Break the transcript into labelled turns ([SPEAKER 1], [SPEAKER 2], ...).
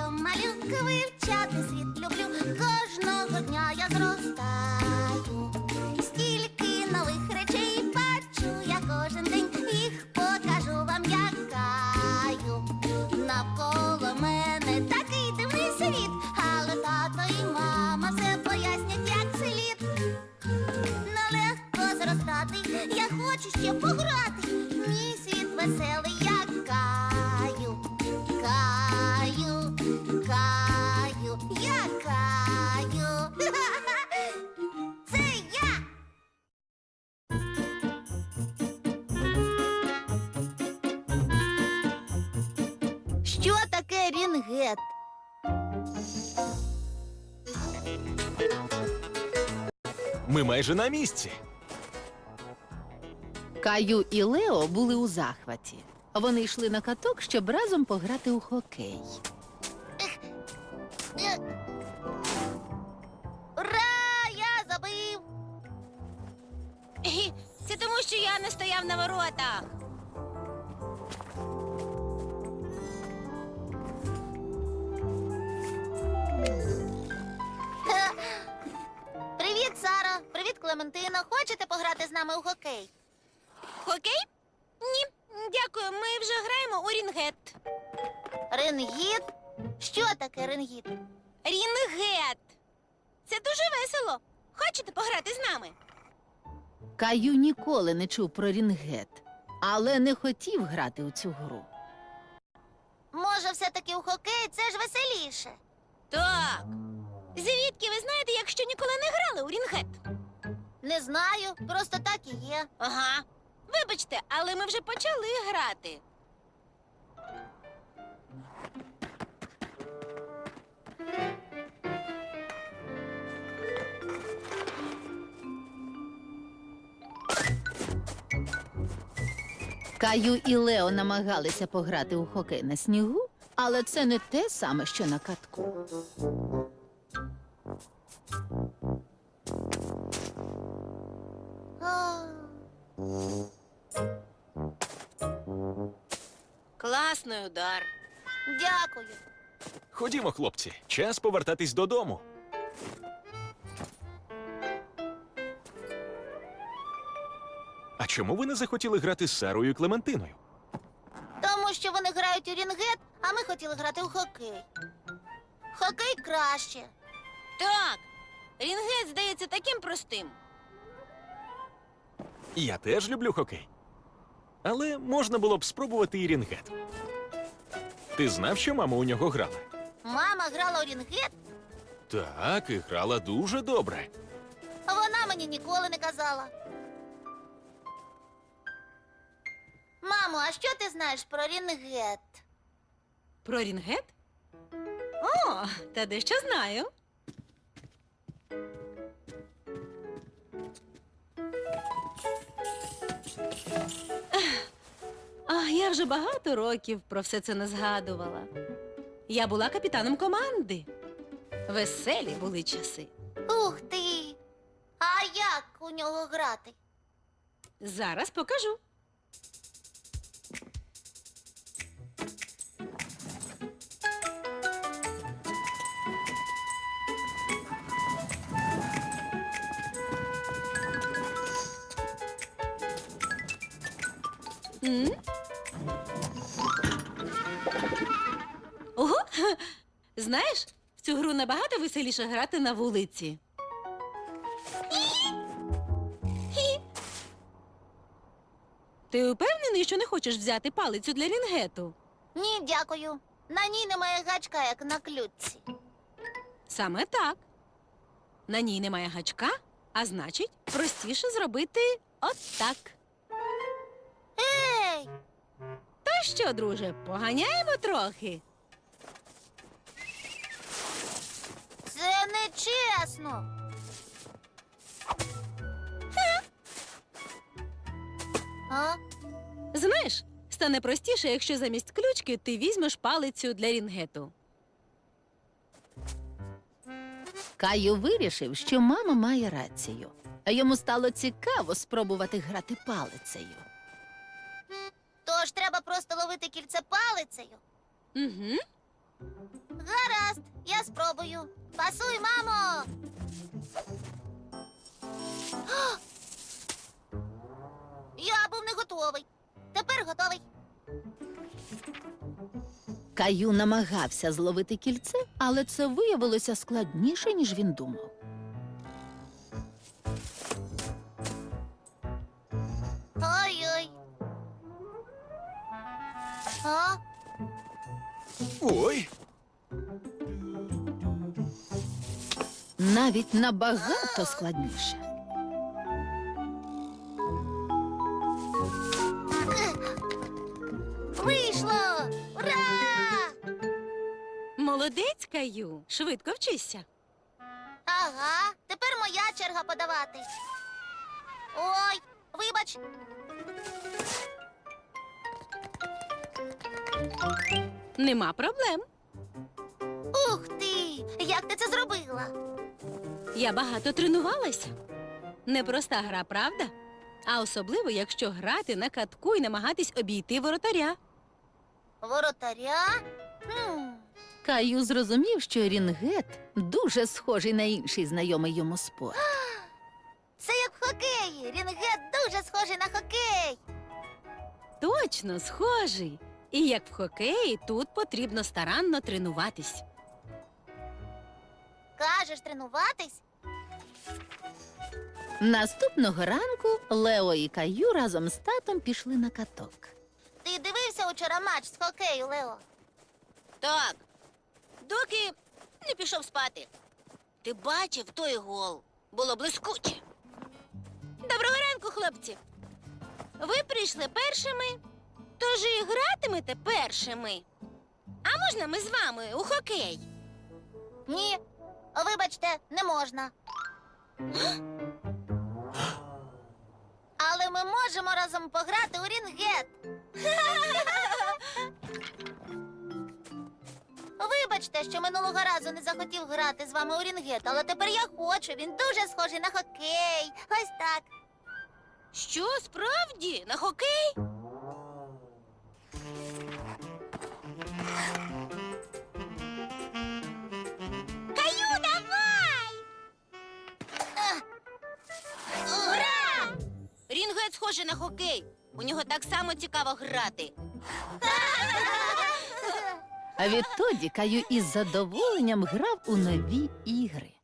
[SPEAKER 1] що малюка, вивчати світ люблю. Кожного дня я зростаю. Стільки нових речей бачу я кожен день. Їх покажу вам, якаю. Навколо мене такий дивний світ, але тато і мама все пояснять, як слід. Нелегко зростати, я хочу ще пограти. Мій світ веселий, я каю, каю, каю, я каю. Це я. Що таке рінгет?
[SPEAKER 2] Ми майже на місці.
[SPEAKER 3] Каю і Лео були у захваті. Вони йшли на каток, щоб разом пограти у хокей.
[SPEAKER 1] Ура! Я забив!
[SPEAKER 4] Це тому, що я не стояв на воротах.
[SPEAKER 1] Привіт, Сара! Привіт, Клементино! Хочете пограти з нами у хокей?
[SPEAKER 4] Хокей? Ні, дякую, ми вже граємо у рінгет.
[SPEAKER 1] Рингіт? Що таке рингіт?
[SPEAKER 4] Рінгет! Це дуже весело. Хочете пограти з нами?
[SPEAKER 3] Каю ніколи не чув про рінгет, але не хотів грати у цю гру.
[SPEAKER 1] Може, все-таки у хокей це ж веселіше.
[SPEAKER 4] Так. Звідки ви знаєте, якщо ніколи не грали у рінгет?
[SPEAKER 1] Не знаю, просто так і є.
[SPEAKER 4] Ага. Вибачте, але ми вже почали грати.
[SPEAKER 3] Каю і Лео намагалися пограти у хокей на снігу, але це не те саме, що на катку.
[SPEAKER 1] А,
[SPEAKER 4] Класний удар.
[SPEAKER 1] Дякую.
[SPEAKER 2] Ходімо, хлопці, час повертатись додому. А чому ви не захотіли грати з Сарою і Клементиною?
[SPEAKER 1] Тому що вони грають у рінгет, а ми хотіли грати у хокей. Хокей краще.
[SPEAKER 4] Так. Рінгет здається таким простим.
[SPEAKER 2] Я теж люблю хокей. Але можна було б спробувати і рінгет. Ти знав, що мама у нього грала?
[SPEAKER 1] Мама грала у рінгет,
[SPEAKER 2] Так, і грала дуже добре.
[SPEAKER 1] а вона мені ніколи не казала. Мамо, а що ти знаєш про рінгет?
[SPEAKER 4] Про рінгет? О, та дещо знаю. Я вже багато років про все це не згадувала. Я була капітаном команди. Веселі були часи.
[SPEAKER 1] Ух ти! А як у нього грати?
[SPEAKER 4] Зараз покажу. М? Ого! Знаєш, в цю гру набагато веселіше грати на вулиці. Ти упевнений, що не хочеш взяти палицю для рінгету?
[SPEAKER 1] Ні, дякую. На ній немає гачка, як на ключці.
[SPEAKER 4] Саме так. На ній немає гачка, а значить, простіше зробити отак.
[SPEAKER 1] Ей!
[SPEAKER 4] То що, друже, поганяємо трохи?
[SPEAKER 1] Це нечесно. А?
[SPEAKER 4] Знаєш, стане простіше, якщо замість ключки ти візьмеш палицю для рінгету.
[SPEAKER 3] Каю вирішив, що мама має рацію. А йому стало цікаво спробувати грати палицею.
[SPEAKER 1] Тож треба просто ловити кільце палицею.
[SPEAKER 4] Угу.
[SPEAKER 1] спробую. Пасуй, мамо! А! Я був не готовий. Тепер готовий.
[SPEAKER 3] Каю намагався зловити кільце, але це виявилося складніше, ніж він думав.
[SPEAKER 1] Ой-ой. А?
[SPEAKER 2] Ой!
[SPEAKER 3] Навіть набагато складніше.
[SPEAKER 1] Вийшло! Ура!
[SPEAKER 4] Молодець, Каю. Швидко вчися.
[SPEAKER 1] Ага, тепер моя черга подавати. Ой, вибач.
[SPEAKER 4] Нема проблем.
[SPEAKER 1] Ух ти! Як ти це зробила?
[SPEAKER 4] Я багато тренувалася. Непроста гра, правда? А особливо, якщо грати на катку і намагатись обійти воротаря.
[SPEAKER 1] Воротаря?
[SPEAKER 3] Каю зрозумів, що рінгет дуже схожий на інший знайомий йому спорт.
[SPEAKER 1] Це як в хокеї. Рінгет дуже схожий на хокей.
[SPEAKER 4] Точно, схожий. І як в хокеї, тут потрібно старанно тренуватись.
[SPEAKER 1] Кажеш, тренуватись?
[SPEAKER 3] Наступного ранку Лео і Каю разом з татом пішли на каток.
[SPEAKER 1] Ти дивився учора матч з хокею, Лео?
[SPEAKER 5] Так, доки не пішов спати. Ти бачив той гол? Було блискуче. Доброго ранку, хлопці. Ви прийшли першими, тож і гратимете першими. А можна ми з вами у хокей?
[SPEAKER 1] Ні. Вибачте, не можна. Але ми можемо разом пограти у рінгет. Вибачте, що минулого разу не захотів грати з вами у рінгет, але тепер я хочу. Він дуже схожий на хокей. Ось так.
[SPEAKER 5] Що, справді? На хокей?
[SPEAKER 1] Каю, давай! Ура!
[SPEAKER 5] Рінгет схожий на хокей. У нього так само цікаво грати.
[SPEAKER 3] А відтоді Каю із задоволенням грав у нові ігри.